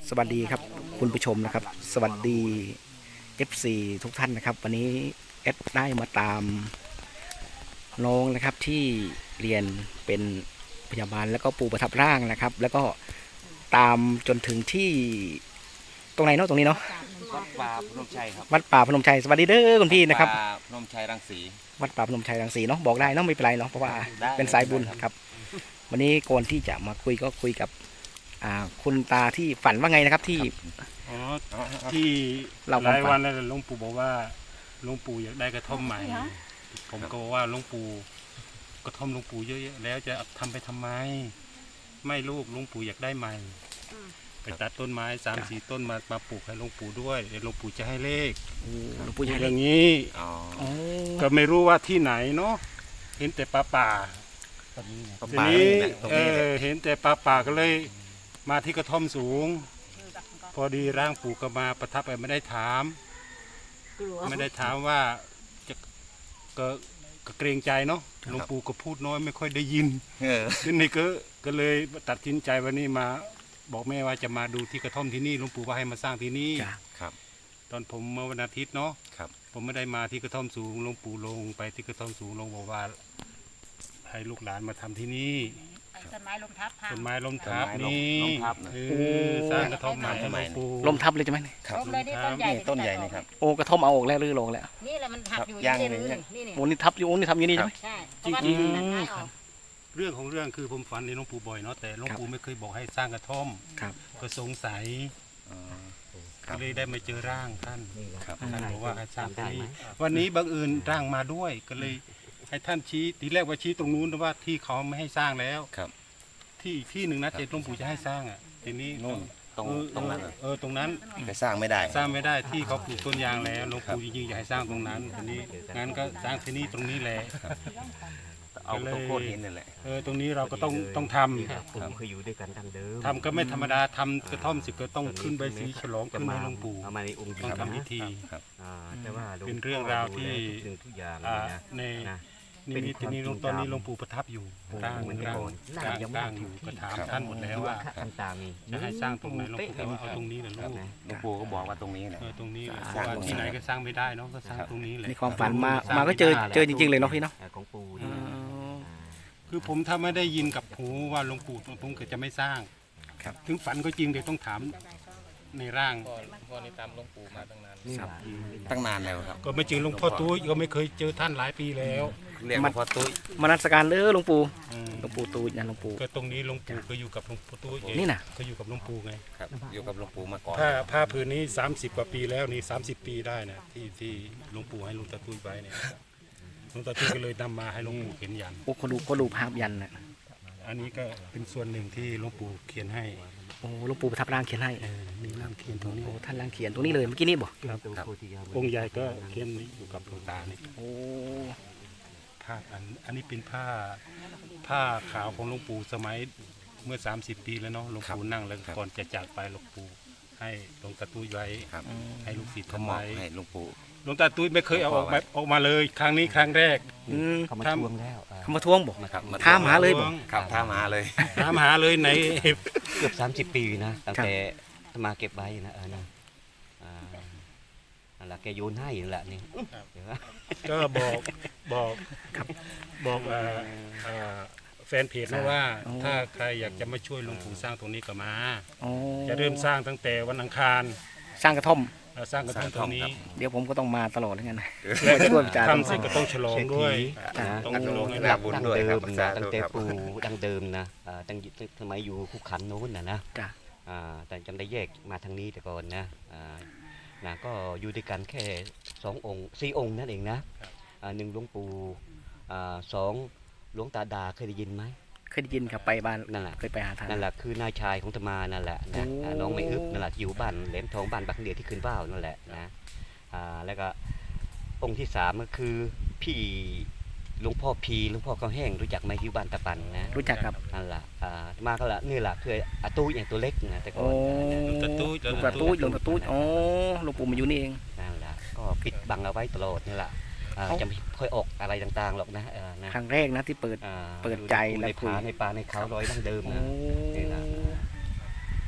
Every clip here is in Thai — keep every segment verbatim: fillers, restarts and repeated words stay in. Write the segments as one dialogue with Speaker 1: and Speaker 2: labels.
Speaker 1: สวัสดีครับคุณผู้ชมนะครับสวัสดี เอฟ ซี ทุกท่านนะครับวันนี้เอดได้มาตามน้องนะครับที่เรียนเป็นพยาบาลแล้วก็ปูประทับร่างนะครับ แล้วก็ตามจนถึงที่ตรงไหนเนาะตรงนี้เนาะ
Speaker 2: วัดป่าพนมชัยครับ
Speaker 1: วัดป่าพนมชัยสวัสดีเด้อคุณพี่นะครับ
Speaker 2: ป่าพนมชัยรังสี
Speaker 1: วัดป่าพนมชัยรังสีเนาะบอกได้เนาะไม่เป็นไรเนาะเพราะว่า
Speaker 2: ได้
Speaker 1: เป็นสายบุญครับ วันนี้ก่อนที่จะมาคุยก็คุยกับอ่าคุณตาที่ฝันว่าไงนะครับที่
Speaker 3: อ๋อที่
Speaker 1: เรา
Speaker 3: หลาย
Speaker 1: ความฝัน
Speaker 3: วันแล้วหลวงปู่บอกว่าหลวงปู่อยากได้กระท่อมใหม่ ผมก็บอกว่าหลวงปู่กระท่อมหลวงปู่เยอะๆแล้วจะทำไปทำไม ไม่ลูกหลวงปู่อยากได้ใหม่ไปตัดต้นไม้สามสี่ต้นมามาปลูกให้หลวงปู่ด้วยเดี๋ยวหลวงปู่จะให้เลข
Speaker 1: โอ้หลวงปู่ใหญ่
Speaker 3: อ
Speaker 1: เลย
Speaker 3: ย่างนี้
Speaker 2: อ๋อ
Speaker 1: โอ้
Speaker 3: ก็ไม่รู้ว่าที่ไหนเนาะเห็นแต่ป่าป่า
Speaker 2: ตรงนี้นะ
Speaker 3: ทีนี้
Speaker 2: ตรง
Speaker 3: เอ
Speaker 2: นี้
Speaker 3: อเห็นแต่ป่าป่าก็เลยมาที่กระท่อมสูง พอดีร่างปู่ก็มาประทับไปไม่ได้ถาม ไม่ได้ถามว่าจะก็ก็เกรงใจเนาะหลวงปู่ก็พูดน้อยไม่ค่อยได้ยิน
Speaker 2: เออ
Speaker 3: ทีนี้ก็ก็เลยตัดสินใจวันนี้มาบอกแม่ว่าจะมาดูที่กระท่อมที่นี่หลวงปู่ว่าให้มาสร้างที่นี่
Speaker 1: จ้ะ
Speaker 2: ครับ
Speaker 3: ตอนผมเมื่อวันอาทิตย์เนาะ
Speaker 2: ครับ
Speaker 3: ผมไม่ได้มาที่กระท่อมสูงหลวงปู่ลงไปที่กระท่อมสูงลงบอกว่า ให้ลูกหลานมาทำที่นี่
Speaker 4: ต้นไม้ลมทับพัง
Speaker 3: ต้นไม้ล้มทับนี่
Speaker 2: ล้มทับนะ
Speaker 3: เออสร้างกระท่อมใหม่ให้หลวงปู่
Speaker 1: ลมทับเลยใช่ไหม
Speaker 2: ครับ
Speaker 4: ล้มเลยนี่ต้นใหญ่
Speaker 2: นี่ต้นใหญ่นี่ครับ
Speaker 1: โอ้กระท่อมเอาออกแล้วหรือลงแล้ว
Speaker 4: นี่แหละมันหักอยู่
Speaker 2: ย่าง
Speaker 4: นี่
Speaker 2: เลย
Speaker 4: นี่นี่นี่
Speaker 1: โอ้นี่ทับอยู่โอ้นี่ทำอยู่นี่ใช่ไหม
Speaker 4: ใช่เพราะว่า
Speaker 3: จริ
Speaker 4: นี่
Speaker 3: งๆ
Speaker 4: มันง่ายออก
Speaker 3: เรื่องของเรื่องคือผมฝันในหลวงปู่บ่อยเนาะแต่หลวงปู่ไม่เคยบอกให้สร้างกระท่อม
Speaker 1: ครับ
Speaker 3: ก็สงสัย
Speaker 2: อ๋อค
Speaker 3: ก็
Speaker 2: รับ
Speaker 3: เลยได้มาเจอร่างท่าน
Speaker 2: ครับ
Speaker 3: ท่านบอกว่าให้สร้างที่นี่วันนี้บังเอิญร่างมาด้วยก็เลยให้ท่านชี้ทีแรกว่าชี้ตรงนู้นแต่ว่าที่เขาไม่ให้สร้างแล้ว
Speaker 2: ครับ
Speaker 3: ที่อีกที่หนึ่งนะเจตหลวงปู่จะให้สร้างอ่ะทีนี้
Speaker 2: นู่นตรง
Speaker 3: เออ
Speaker 2: ตรงนั้นน่ะ
Speaker 3: เออตรงนั้น
Speaker 2: ไปสร้างไม่ได้
Speaker 3: สร้างไม่ได้ที่เขาปลูกต้นยางแล้วหลวงปู่จริงๆอยากให้สร้างตรงนั้นทีนี้งั้นก็สร้างที่นี่ตรงนี้แหละ
Speaker 2: เอาตรงโคตรหินนี่แหละ
Speaker 3: เออตรงนี้เราก็ต้องต้องทำ
Speaker 5: ผมเคยอยู่ด้วยกันดั้งเดิม
Speaker 3: ทำก็ไม่ธรรมดาทำกระท่อมสิก็ต้องขึ้นใบสีฉลองขึ้นให้หลวงปู่
Speaker 5: เอามาในองค์จริ
Speaker 3: ต้อง ง
Speaker 5: ครับ
Speaker 3: ทำพิธี
Speaker 5: อ่าแต่ว่าหลวง
Speaker 3: เป็นเรื่องราวที่
Speaker 5: พ่อดูแลทุกสิ่งทุกอย่าง
Speaker 3: อ่า
Speaker 5: เลยนะ
Speaker 3: ใน
Speaker 5: นะ
Speaker 3: นี่มีที่นี่หลวงตอนนี้หลวงปู่ประทับอยู่
Speaker 5: โอ้
Speaker 3: ร่าง
Speaker 5: เหมือน
Speaker 3: ร่าง
Speaker 5: ก่อน
Speaker 3: ร่าง
Speaker 5: ยังไม่
Speaker 3: ร่างอยู่ก็ถาม
Speaker 2: ครับ
Speaker 3: ท่านหมดแล้วว่า
Speaker 5: ต่างๆนี่
Speaker 3: จะให้สร้างตรงไหนหลวงปู่ก็ว่าเอาตรงนี้แหละลูก
Speaker 2: หลวงปู่ก็บอกว่าตรงนี้แหละ
Speaker 3: เออตรงนี้แหละเพ
Speaker 2: สร้า
Speaker 3: ราะ
Speaker 2: ง
Speaker 3: ว่า
Speaker 2: ตรงนี้
Speaker 3: ที่ไหนก็สร้างไม่ได้เนาะก็สร้าง
Speaker 2: ครับ
Speaker 3: ตรงนี้แหละ
Speaker 1: ในความฝันมามาก็เจอเจอจริงๆเลยเนาะพี่เนาะ
Speaker 5: ของปู่
Speaker 1: อ๋
Speaker 5: นี่
Speaker 1: อ
Speaker 3: คือผมถ้าไม่ได้ยินกับหูว่าหลวงปู่ผมก็จะไม่สร้าง
Speaker 2: ครับ
Speaker 3: ถึงฝันก็จริงแต่ต้องถามในร่าง
Speaker 5: นี่แหละ
Speaker 2: ตั้งนานแล้วครับ
Speaker 3: ก็ไม่เจอหลวงพ่อตุ้ยก็ไม่เคยเจอท่านหลายปีแล้ว
Speaker 2: เรียกว่าพ่อตุ้ย
Speaker 1: มานัสการเด้อหลวงปู่
Speaker 3: อืม
Speaker 1: หลวงปู่ตูดนะหลวงปู่
Speaker 3: ก็ตรงนี้หลวงปู่ก็อยู่กับหลวงพ่อตุ้ยเอง
Speaker 1: นี่น่ะ
Speaker 3: ก็อยู่กับหลวงปู่ไง
Speaker 2: ครับอยู่กับหลวงปู่มาก่อน
Speaker 3: ผ้าผ้าผืนนี้สามสิบกว่าปีแล้วนี่สามสิบปีได้นะที่ที่หลวงปู่ให้หลวงตาตุ้ยไปเนี่ยหลวงตาตุ้ยก็เลยนำมาให้หลวงปู่เขียนยัน
Speaker 1: โอ้เขาดูเขาดูภาพยันนะ
Speaker 3: อันนี้ก็เป็นส่วนหนึ่งที่หลวงปู่เขียนให้
Speaker 1: โอ้หลวงปู่ประทับร่างเขียนให้
Speaker 3: เออมีร่างเขียนตรงนี้
Speaker 1: โอ้ท่านร่างเขียนตรงนี้เลยเมื่อกี้นี่บอก
Speaker 3: ครับ
Speaker 5: ตัวโพธิยา
Speaker 3: องค์ใหญ่ก็เขียนอยู่กับหลวงตานี่
Speaker 1: โอ้
Speaker 3: ผ้าอันอันนี้เป็นผ้าผ้าขาวของหลวงปู่สมัยเมื่อ สามสิบ ปีแล้วเนาะหลวงปู่นั่งแล้วก่อนจะจากไปหลวงปู่ให้หลวงตาตุ้ยไว้
Speaker 2: ครับ
Speaker 3: ให้ลูกศิษย์
Speaker 2: เขา
Speaker 3: ทำ
Speaker 2: มอบ
Speaker 3: ไว้
Speaker 2: ให้หลวงปู่
Speaker 3: หลวงตาตุ้ยไม่เคยเอาออกมาออกมาเลย ครั้งนี้ครั้งแรก
Speaker 1: อืม
Speaker 5: เขามาทวงแล้วอ่า
Speaker 1: เขามาทวงบอก
Speaker 2: นะครับ
Speaker 1: ถามหาเลยบอก
Speaker 2: ครับถามหาเลย
Speaker 3: ถามหาเลยไหน
Speaker 5: เกือบสามสิบปีนะตั้งแต่มาเก็บไว้นะเออนะอ่านั่นแหละแกโยนให้นั่นแหละนี่เดี๋ยวนะ
Speaker 3: ก็บอกบอกบอกเอ่อเอ่อแฟนเพจนะว่า ถ้าใครอยากจะมาช่วยหลวงปู่สร้างตรงนี้ก็มา
Speaker 1: โอ้
Speaker 3: จะเริ่มสร้างตั้งแต่วันอังคาร
Speaker 1: สร้างกระท่อม
Speaker 3: เอ่อสร้างกระท่อมตรงนี้
Speaker 1: เดี๋ยวผมก็ต้องมาตลอดแล้วกันนะ
Speaker 3: และ
Speaker 1: ช่วยอาจารย์
Speaker 3: ทำเสร็จก็ต้องฉลองด้วย
Speaker 5: นะ
Speaker 3: ต้องฉลองให้
Speaker 2: รั
Speaker 3: ได้
Speaker 2: บบุญ
Speaker 5: ดั้ง
Speaker 2: ด้วย
Speaker 5: เดิ
Speaker 2: ครับ
Speaker 5: ม
Speaker 2: สา
Speaker 5: นะ
Speaker 2: ธุ
Speaker 5: ตั้งแต่
Speaker 2: ครับ
Speaker 5: ปู่ดั้งเดิมนะอ่าตั้งสมัยอยู่คุกขันโน้นนะนะ
Speaker 1: จ้ะ
Speaker 5: อ่าแต่จำได้แยกมาทางนี้แต่ก่อนนะอ่านะก็อยู่ด้วยกันแค่สององค์สี่องค์นั่นเองนะอ่าหนึ่งหลวงปู่อ่าสองหลวงตาดาเคยได้ยินไหม
Speaker 1: เคยได้ยินครับไปบ้าน
Speaker 5: นั่นแหละ
Speaker 1: เคยไปหาท่าน
Speaker 5: นั่นแหละคือนายชายของตมานั่นแหละนะ
Speaker 1: โอ้
Speaker 5: อ่าน้องไม่อึบนั่นแหละที่อยู่บ้านแหลมทองบ้านบักเดียวที่ขึ้นว่าวนั่นแหละนะอ่าแล้วก็องค์ที่สามก็คือพี่หลวงพ่อพีหลวงพ่อเขาแห้งรู้จักไหมที่อยู่บ้านตะปันนะ
Speaker 1: รู้จักครับ
Speaker 5: นั่นแหละอ่ามาก็ละนี่แหละคืออาตู้อย่างตัวเล็กนะแต่ก่
Speaker 1: โอ้
Speaker 5: อนนะ
Speaker 3: หลวงตาตุ้ย
Speaker 1: หลวงตาตุ้ยหลวงตาตุ้ยอ๋อหลวงปู่มาอยู่นี่เอง
Speaker 5: นั่นแหละก็ปิดบังเอาไว้ตลอดนี่แหละอ่า
Speaker 1: เอ้า
Speaker 5: จะไม่ค่อยออกอะไรต่างๆหรอกนะเออนะ
Speaker 1: ครั้งแรกนะที่เปิด
Speaker 5: อ่า
Speaker 1: เปิดใจและ
Speaker 5: ใน
Speaker 1: คุย
Speaker 5: ผาในป่าในเขาร้อยดั้งเดิม
Speaker 1: โอ้
Speaker 5: นะนี่แหละนั่นแหละเพราะ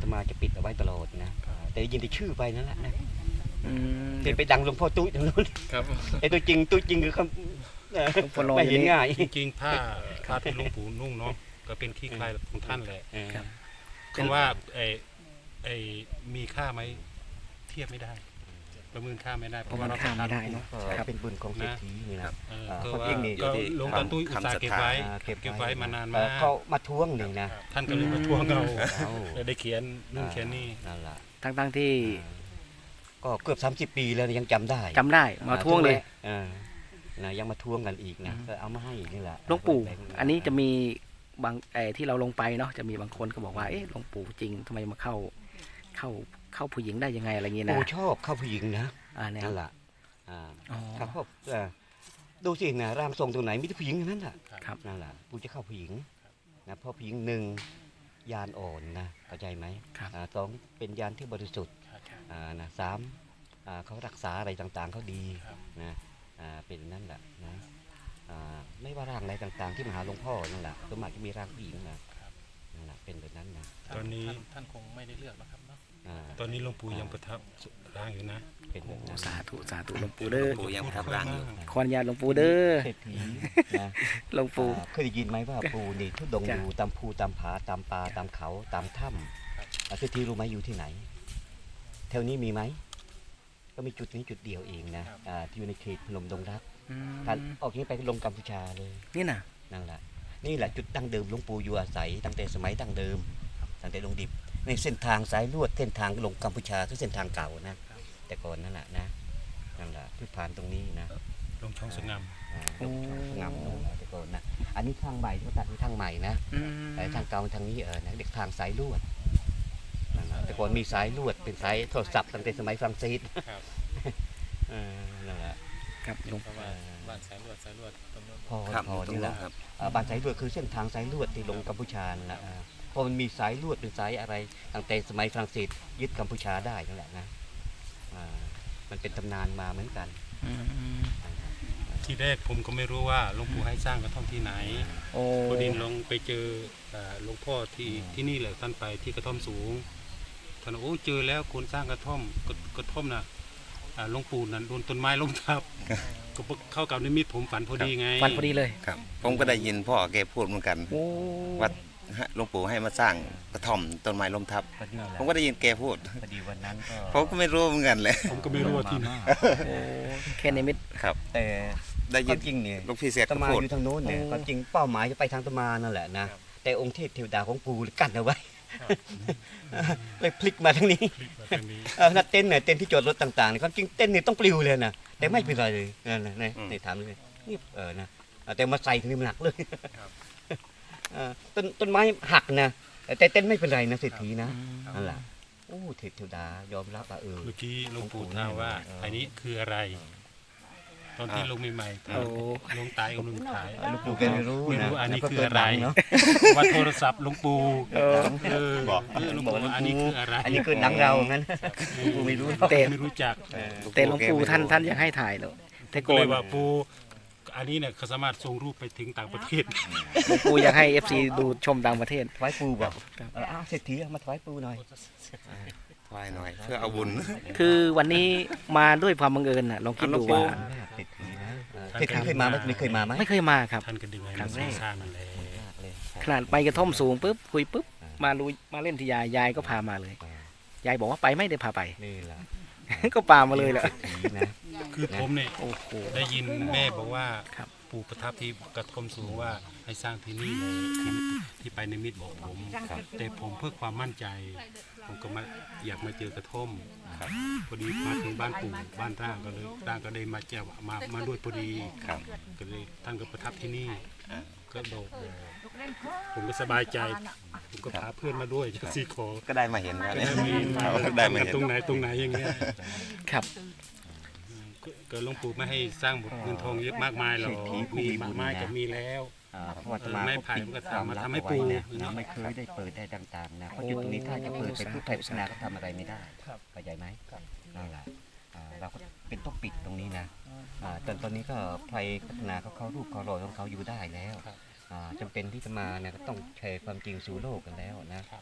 Speaker 5: ตมาจะปิดเอาไว้ตลอดนะแต่ได้ยินแต่ชื่อไปนั่นแหละนะ
Speaker 1: อืม
Speaker 5: เป็นไปดังหลวงพ่อตุ้ยทางนู้น
Speaker 3: ครับ
Speaker 5: ไอ้ตัวจริงตัวจริงคือเขาเอ่อ
Speaker 1: หลวงพ่อรอ
Speaker 5: ไม่
Speaker 1: อยู่
Speaker 5: เห็น
Speaker 1: นี่
Speaker 5: ง่าย
Speaker 3: จริงๆผ้าผ้าที่หลวงปู่นุ่งเนาะก็เป็นขี้คลายของท่านแหละ
Speaker 5: เออ
Speaker 1: ครับ
Speaker 3: คำว่าไอ้ไอ้มีค่าไหมเทียบไม่ได้ ประเมินค่าไม่ได้เพ
Speaker 1: เพราะ
Speaker 3: ราะ
Speaker 1: มั
Speaker 3: ว่าน เรา
Speaker 1: ข้ามไม่ได้เนาะ
Speaker 5: ก็
Speaker 1: ครับ
Speaker 5: เป็นบุญของเศรษฐีนี่นะ
Speaker 3: เออ
Speaker 5: อ่า
Speaker 3: ก็
Speaker 5: เขา
Speaker 3: ว่า
Speaker 5: เองนี่
Speaker 3: ก็หลวงตาตุ้ยอุตส่าห์เก็บไว้
Speaker 5: อ่าเก็บไว้
Speaker 3: เก็บไว้มานาน
Speaker 5: เอ่
Speaker 3: มา
Speaker 5: อก เขามาทวงนี่นะ
Speaker 3: ท่านก็เลยมาทวงเรา
Speaker 5: เอา
Speaker 3: เลยได้เขียนนู่นเขียนนี่
Speaker 5: นั่นแหละ
Speaker 1: ทั้งทั้งๆที่
Speaker 5: ก็เกือบสามสิบปีแล้วยังจำได้
Speaker 1: จำได้มาทวงเลย
Speaker 5: เออนะยังมาทวงกันอีกนะก็เอามาให้อีกนี่แหละ
Speaker 1: หลวงปู่
Speaker 5: แบ่ง
Speaker 1: อันนี้จะมีบางไอ้ที่เราลงไปเนาะจะมีบางคนก็บอกว่าเอ๊ะหลวงปู่จริงทำไมมาเข้าเข้าเข้าผู้หญิงได้ยังไงอะไรเงี้ยนะ
Speaker 5: ปู่ชอบเข้าผู้หญิงนะ
Speaker 1: อ่าเนี่ย
Speaker 5: นั่นแหละอ่า
Speaker 1: อ๋อ
Speaker 5: ครับพ่อเอ่อดูสินะร่างทรงตรงไหนมีแต่ผู้หญิงทั้งนั้นแหละ
Speaker 1: ครับ
Speaker 5: นั่นแหละปู่จะเข้าผู้หญิงนะเพราะผู้หญิงหนึ่งยานอ่อนนะเข้าใจไหม
Speaker 1: ครับ
Speaker 5: อ่าสองเป็นยานที่บริสุทธิ์อ่านะสามอ่าเขารักษาอะไรต่างๆเขาดีนะอ่าเป็นนั่นแหละนะอ่าไม่ว่าร่างอะไรต่างๆ ที่มาหาหลวงพ่อนั่นแหละส่วนมากจะมีร่างผู้หญิงนะนั่นแหละเป็นแบบนั้นนะ
Speaker 3: ตอนนี้
Speaker 6: ท่านคงไม่ได้เลือกหรอกครับเนาะ
Speaker 5: อ่า
Speaker 3: ตอนนี้หลวงปู่ยังประทับร่างอยู่นะ
Speaker 5: เป็นแบบนั้น
Speaker 1: สาธุสาธุหลวงปู่เด้อ
Speaker 2: ปู่ยังประทับร่างอยู่
Speaker 1: ขออนุญาตหลวงปู่เด้อ
Speaker 5: เศรษฐีนะ
Speaker 1: หลวงปู่
Speaker 5: อ่าเคยได้ยินไหมว่าปูนี่ทุดง
Speaker 1: จ้ะ
Speaker 5: อยู่ตามภูตามผาตามป่าตามเขาตามถ้ำอ่าเศรษฐีรู้ไหมอยู่ที่ไหนแถวนี้มีไหมก็มีจุดนี้จุดเดียวเองนะอ่าที่อยู่ในเขตพนมดงรัก
Speaker 1: อืม
Speaker 5: ท่านออกนี้ไปลงกัมพูชาเลย
Speaker 1: นี่น่ะ
Speaker 5: นั่นแหละนี่แหละจุดดั้งเดิมหลวงปู่อยู่อาศัยตั้งแต่สมัยดั้งเดิมตั้งแต่ลงดิบในเส้นทางสายลวดเส้นทางลงกัมพูชาคือเส้นทางเก่านะแต่ก่อนนั่นแหละนะนั่นแหละที่ผ่านตรงนี้นะ
Speaker 3: ลงช่องสงาม
Speaker 5: อ่าลงช่องงามลงแต่ก่อนนะอันนี้ทางใหม่ที่เขาตัดเป็นทางใหม่นะ
Speaker 1: อืม
Speaker 5: แต่ทางเก่าทางนี้เออนะเด็กทางสายลวดนั่นน่ะแต่ก่อนมีสายลวดเป็นสายโทรศัพท์ตั้งแต่สมัยฝรั่งเศส
Speaker 3: ครับ
Speaker 5: เออนั่นแหละ
Speaker 1: ครับหลวง
Speaker 6: เพราะว่าบ้านสายลวดสายลวดตรงนู้น
Speaker 5: พอ
Speaker 2: ครับ
Speaker 5: พอ
Speaker 2: ตรง
Speaker 5: นี่แห
Speaker 2: นู้
Speaker 5: ละ
Speaker 2: นครับ
Speaker 5: อ่าบ้านสายลวดคือเส้นทางสายลวดที่ลงกัมพูชานั่นแหละอ่าพอมันมีสายลวดเป็นสายอะไรตั้งแต่สมัยฝรั่งเศสยึดกัมพูชาได้นั่นแหละนะอ่ามันเป็นตำนานมาเหมือนกัน
Speaker 1: อืม
Speaker 3: ที่แรกผมก็ไม่รู้ว่าหลวงปู่ให้สร้างกระท่อมที่ไหน
Speaker 1: โอ้
Speaker 3: พอดีลงไปเจอเอ่อหลวงพ่อที่ที่นี่แหละท่านไปที่กระท่อมสูงท่านบอกโอ้เจอแล้วคนสร้างกระท่อมกระกระท่อมน่ะอ่าหลวงปู่นั่นโดนต้นไม้ล้มทับก็เข้ากับนิมิตผมฝันพอดีไง
Speaker 1: ฟันพอดีเลย
Speaker 2: ครับ ผมก็ได้ยินพ่อแกพูดเหมือนกัน
Speaker 1: โอ้
Speaker 2: ว่าหลวงปู่ให้มาสร้างกระท่อมต้นไม้ล้มทับ
Speaker 5: ก็นี่แหละ
Speaker 2: ผมก็ได้ยินแกพูด
Speaker 5: พอดีวันนั้นก็
Speaker 2: ผมก็ไม่รู้เหมือนกันเลย
Speaker 3: ผมก็ไม่รู้ว่าที่ไหน
Speaker 1: โอ้แค่ในมิต
Speaker 2: ครับ
Speaker 5: แต่
Speaker 2: ได้
Speaker 5: ค
Speaker 2: ยิ
Speaker 5: วาน มจริงเนี่ย
Speaker 2: หลูกพี่เสีย
Speaker 5: ต
Speaker 2: ก็
Speaker 5: มา
Speaker 2: พูด
Speaker 5: อยู่ทางโน้นเนี่ย
Speaker 1: โอ้
Speaker 5: ความจริงเป้าหมายจะไปทางตมานั่นแหละนะแต่องค์เทพเทวดาของปู่กั้นเอาไว้ เลยพลิกมาทางนี้
Speaker 3: คลิปแบบนี้
Speaker 5: เออนัดเต้นเนี่ยเต้นที่จอดรถต่างๆเนี่ยความจริงเต้นเนี่ยต้องปลิวเลยนะแต่ไม่เป็นไรเลยนั่นนะนี่
Speaker 2: อืม
Speaker 5: นี่ถามเลยนี่เออนะเออแต่มาใส่ถึงนี่มันหนักเลยเออต้นต้นไม้หักนะแต่เต้นไม่เป็นไรนะเศรษฐีนะนั่นแหละโอ้เทพเทวดายอมรับว่าเออ
Speaker 3: เมื่อกี้หลวงปู่ถามว่าอันนี้คืออะไร ตอนที่ลงใหม่ๆถาม
Speaker 1: โอ้
Speaker 3: ลงตายองค์หนึ่งถ่าย
Speaker 5: หลวงปู่แกไม่รู้
Speaker 3: ไม่
Speaker 5: นะ
Speaker 3: รู้อันนี้
Speaker 5: แล้วก็
Speaker 3: คือ
Speaker 5: เกิด
Speaker 3: อะไร
Speaker 5: ดังเนาะ
Speaker 3: ว่าโทรศัพท์หลวงปู่
Speaker 1: เออ
Speaker 3: เออเออหลวงปู่ว่าอันนี้คืออะไร
Speaker 5: อันนี้คือดังเรางั้นหลวงปู่ไม่รู้หรอก
Speaker 1: แต่
Speaker 3: ไม่รู้จัก
Speaker 5: เออ
Speaker 1: แต่หลวงปู่ท่านท่านยังให้ถ่ายเลยแต่
Speaker 3: ก็
Speaker 1: ก่อ
Speaker 3: เล
Speaker 1: น
Speaker 3: ยว่าปู่อันนี้เนี่ยเขาสามารถส่งรูปไปถึงต่างประเทศ
Speaker 1: หลวงปู่อยากให้เอฟซีดูชมต่างประเทศ
Speaker 5: ถวายปู่บอก
Speaker 1: ครับ
Speaker 5: เอออ้าวเศรษฐีเอามาถวายปู่หน่อย
Speaker 2: ถวายหน่อย เพื่อเอาบุญ
Speaker 1: คือวันนี้มาด้วยความบังเอิญน่ะลองคิดดูว่า
Speaker 5: เศรษฐีนะเออเศรษฐีเคยมาไหมไม่เคยมาไหม
Speaker 1: ไม่เคยมาครับ
Speaker 3: ท่านก็ดึงไง
Speaker 1: ครั้
Speaker 3: มาง
Speaker 1: แรก
Speaker 3: สร้างนั่นแหละ
Speaker 5: เลย
Speaker 1: ขนาดไปกระท่อมสูงปุ๊บคุยปุ๊บมาลุยมาเล่นที่ยายยายก็พามาเลย ยายบอกว่าไปไม่ได้พาไป
Speaker 5: นี่แหละ
Speaker 1: ก็ปามาเลยแหละ
Speaker 5: เศรษฐีนะ
Speaker 3: คือผมเนี่ย
Speaker 1: โอ้โห
Speaker 3: ได้ยินแม่บอกว่า
Speaker 1: ครับ
Speaker 3: ปู่ประทับที่กระท่อมสูงว่าให้สร้างที่นี่เลยที่ที่ไปในมิตรบอกผมแต่ผมเพื่อความมั่นใจ ผมก็มาอยากมาเจอกระท่อมครับพอดีมาถึงบ้านปู่บ้านร่างก็เลยร่างก็ได้มาเจ้ามามาด้วยพอดี
Speaker 2: ครับ
Speaker 3: ก็เลยท่านก็ประทับที่นี่ก็บอกผมก็สบายใจ ผมก็พาเพื่อนมาด้วยจากซีขอ
Speaker 2: ก็ได้มาเห็นว่า
Speaker 3: ก็
Speaker 2: เนี่ย
Speaker 3: ได้มีมา
Speaker 2: ได้มาเห็น
Speaker 3: ตรงไหนตรงไหนอย่างเงี้ย
Speaker 1: ครับ
Speaker 3: ก็ก็หลวงปู่ไม่ให้สร้างบทเงินทองเยอะมากมายหรอกมีไม้ไม้ก็มีแล้ว
Speaker 5: อ่าเพราะว่าตมา
Speaker 3: ไม้
Speaker 5: ก็
Speaker 3: ไผ่
Speaker 5: ปิด
Speaker 3: มันก็
Speaker 5: ความ
Speaker 3: ทำมา
Speaker 5: ลับ
Speaker 3: ทำให้
Speaker 5: เอาไว้
Speaker 3: ปู
Speaker 5: นะนะไม่เคยได้เปิดได้ต่างๆนะเพราะจุดตรงนี้ถ้าจะเปิดไปพุทธไทยพุทธนาก็ทำอะไรไม่ได้เข้าใจไหมนั่นแหละอ่าเราก็เป็นต้องปิดตรงนี้นะอ่าตอนตอนนี้ก็ไทยพัฒนาเขาเข้ารูปเขารอยของเขาอยู่ได้แล้วอ่าจำเป็นที่จะมาเนี่ยก็ต้องแชร์ความจริงสู่โลกกันแล้วนะอ่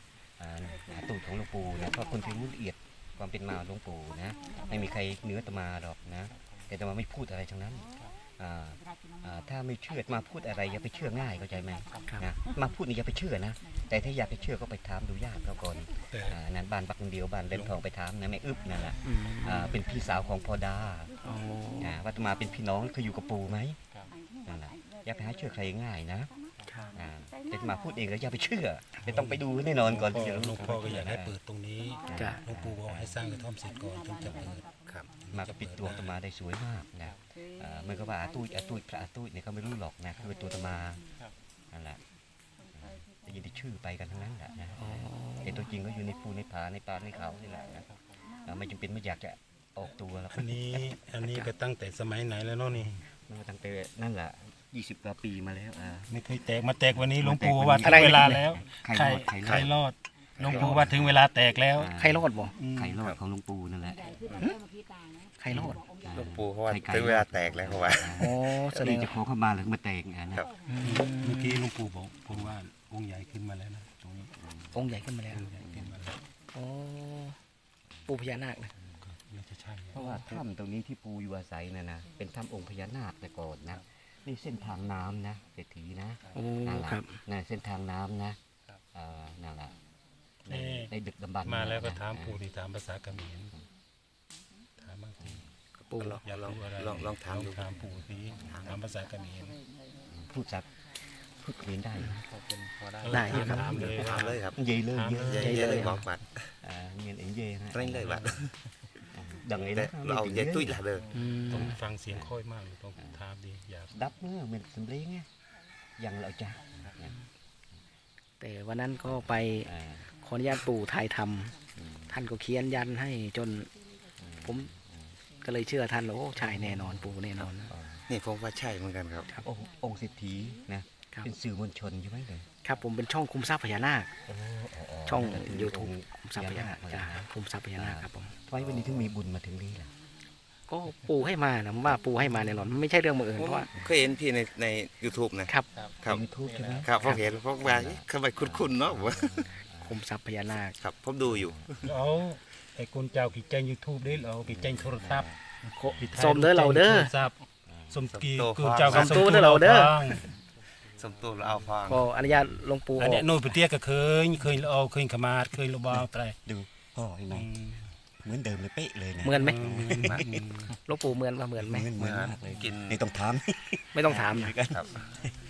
Speaker 5: อ่าอาตูดของหลวงปู่นะก็คนที่รู้ละเอียดความเป็นมาของหลวงปู่นะไม่มีใครเหนืออาตมาหรอกนะแต่อาตมาไม่พูดอะไรทั้งนั้นอ่าอ่าถ้าไม่เชื่อมาพูดอะไรอย่าไปเชื่อง่ายเข้าใจไหมนะมาพูดนี่อย่าไปเชื่อนะแต่ถ้าอยากไปเชื่อก็ไปถามดูญาติเขาก่อนอ่านั้นบ้านปักคนเดียวบ้านเล่นทองไปถามนะแม่อึบนั่นแหละ
Speaker 1: อืม
Speaker 5: อ่าเป็นพี่สาวของพอดา
Speaker 1: โอ้
Speaker 5: อ่าว่าอาตมาเป็นพี่น้องเคยอยู่กับปู่ไหมนั่นแหละอย่าไปหาเชื่อใครง่ายนะอ่าแต่อาตมาพูดเองแล้วอย่าไปเชื่อแต่ต้องไปดูแน่นอนก่อนที่จะ
Speaker 3: หลวงพ่อก็อยากให้เปิดตรงนี้
Speaker 1: จ้ะ
Speaker 3: หลวงปู่บอกให้สร้างกระท่อมเสร็จก่อนถึงจะเปิด
Speaker 2: ครับ
Speaker 5: มาก็ปิดตัวอาตมาได้สวยมากนะอ่าเหมันก็ว่าอาตุ้ยอาตุ้ยพระอาตุ้ยเนี่ยเขาไม่รู้หรอกนะคือเป็นตัวอาตมานั่นแหละได้ยินแต่ชื่อไปกันทั้งนั้นแหละนะแต่ตัวจริงก็อยู่ในภูในผาในป่าในเขานี่แหละนะอ่าไม่จำเป็นไม่อยากจะออกตัวหรอก
Speaker 3: อันนี้อันนี้ก็ตั้งแต่สมัยไหนแล้วเนาะนี่
Speaker 5: มันก็ตั้งแต่นั่นแหละยี่สิบกว่าปีมาแล้วอ่า
Speaker 3: ไม่เคยแตกมาแตกวันนี้หลวงปู่
Speaker 5: มา
Speaker 3: ว่า
Speaker 5: แตกวันนี้
Speaker 3: ถึงเวลาแล้ว
Speaker 5: ไข่
Speaker 3: ไข่
Speaker 5: ไข่รอด
Speaker 3: ไข่รอดหลวงปู่ว่าถึงเวลาแตกแล้ว
Speaker 5: อ่า
Speaker 1: ใครรอดบ่
Speaker 5: ไข่รอดของหลวงปู่นั่นแหละ
Speaker 1: ใครรอด
Speaker 2: หลวงปู่เขาว่า
Speaker 5: ไข่ไก่
Speaker 2: ถึงเวลาแตกแล้วเขาว่า
Speaker 1: โอ้แสด
Speaker 5: นี่
Speaker 1: ง
Speaker 5: จะขอเข้ามาแล้วมาแตกอ่ะนะครับ
Speaker 3: เมื่อกี้หลวงปู่บอกผมว่าองค์ใหญ่ขึ้นมาแล้วนะตรงนี้
Speaker 1: องค์ใหญ่ขึ้นมาแล้ว
Speaker 3: องค์ใหญ่ขึ้นมาแล้ว
Speaker 1: โอ้ปู่พญานาคนะ
Speaker 3: ก็น่าจะใช่
Speaker 5: เพราะว่าถ้ำตรงนี้ที่ปู่อยู่อาศัยนะนะเป็นถ้ำองค์พญานาคแต่ก่อนนะนี่เส้นทางน้ำนะเศรษฐีนะ
Speaker 1: โอ้
Speaker 5: นั่นแหละ
Speaker 1: ครับ
Speaker 5: นั่นเส้นทางน้ำนะอ่านั่นแหละในในดึกดำบรรพ์
Speaker 3: มาแล้วก็
Speaker 5: นะ
Speaker 3: ถามปู่ที่ถามภาษาเขมรถามบ้างสิ
Speaker 1: ปู่
Speaker 2: ลอง
Speaker 3: อยาก
Speaker 2: ลอง
Speaker 3: รู้อะไร
Speaker 2: ลองลองถามดู
Speaker 3: ถามปู่สิถามภาษาเขมร
Speaker 5: พูดจักพูดเรียนได้นะ
Speaker 6: พอเป็นพอได้
Speaker 1: ได้
Speaker 3: เออ
Speaker 1: ครับ
Speaker 3: ถามเลย
Speaker 2: ถามเลยครับ
Speaker 5: เย่เลยเย่
Speaker 2: เยอะเยอะเลยบอกบัตร
Speaker 5: อ่าเงินเอ็นเย่นะ
Speaker 2: เร่งเลยบัตร
Speaker 5: ดังไง
Speaker 2: แต่
Speaker 5: นะ
Speaker 2: เราเอาเยอะตุ้ยละเด้อ
Speaker 1: อืม
Speaker 3: ต้องฟังเสียงค่อยมากเลยต้องถามดีอยาก
Speaker 5: ดับเมื่อเหมือนสำเร็จไงยังเราจ้า
Speaker 1: แต่วันนั้นก็ไป
Speaker 5: อ่า
Speaker 1: ขออนุญาตปู่ถ่ายทำท่านก็เขียนยันให้จน ผมก็เลยเชื่อท่านแล้วโอ้ใช่แน่นอนปู่แน่นอน
Speaker 2: นี่ผมว่าใช่เหมือนกันครับ
Speaker 5: องค์องค์เศรษฐีนะครับ เป็นสื่อมวลชนใช่ไหมเลย
Speaker 1: ครับผมเป็นช่องคุมทรัพย์พญานาค ช่อง YouTube
Speaker 5: องค์
Speaker 1: คุมทรัพย์พญานาคจ้ะคุมทรัพย์พญานาคครับผม
Speaker 5: ทำไมวันนี้ถึงมีบุญมาถึงนี่ล่ะ
Speaker 1: ก็ปู่ให้มานะผมว่าปู่ให้มาแน่นอนไม่ใช่เรื่องบังเอิญ
Speaker 2: ผม
Speaker 1: เพราะว่า
Speaker 2: เคยเห็นพี่ในใน YouTube นะครับ ครับ
Speaker 5: ยูทูบใช่ไหม
Speaker 2: ครับผมเห็นผมว่าทำไมคุ้นๆเนาะผมว่า
Speaker 1: คุมทรัพย์พญานาค
Speaker 2: ครับผมดูอยู่
Speaker 3: เอาไอ้คนเจ้ากี่แจ้งยูทูบได้เอากี่แจ้งโทรศัพท์
Speaker 1: สมเด้อเราเด้อ
Speaker 3: โทรศัพท์สมกี
Speaker 2: สมโต
Speaker 3: กูเจ้า
Speaker 1: สมโตเด้อเราเด้อ
Speaker 3: ฟัง
Speaker 2: สมตูเราเอาฟัง
Speaker 1: ก็อนุญาตหลวงปู่อ
Speaker 3: อัน
Speaker 1: อ
Speaker 3: เนี้ย
Speaker 1: ก
Speaker 3: โน่นปเตี้ยก็เคยเคยเอาเคยขมาดเคยระบาวไตร
Speaker 5: ดูพ่อเห็นไหม
Speaker 3: อืม
Speaker 5: เหมือนเดิมเลยเป๊ะเลยนะ
Speaker 1: เหมือนไหม
Speaker 3: อืม
Speaker 1: หลวงปู่เหมือนว่าเหมือนไหม
Speaker 5: เหมือนเหมือนมากเลย
Speaker 2: กิน
Speaker 5: นี่ต้องถาม
Speaker 1: ไม่ต้องถามนะครับ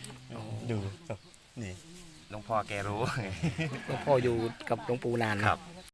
Speaker 5: ดูนี่
Speaker 2: หลวงพ่อแกรู้
Speaker 1: หลวงพ่ออยู่กับหลวงปู่นานนะครับ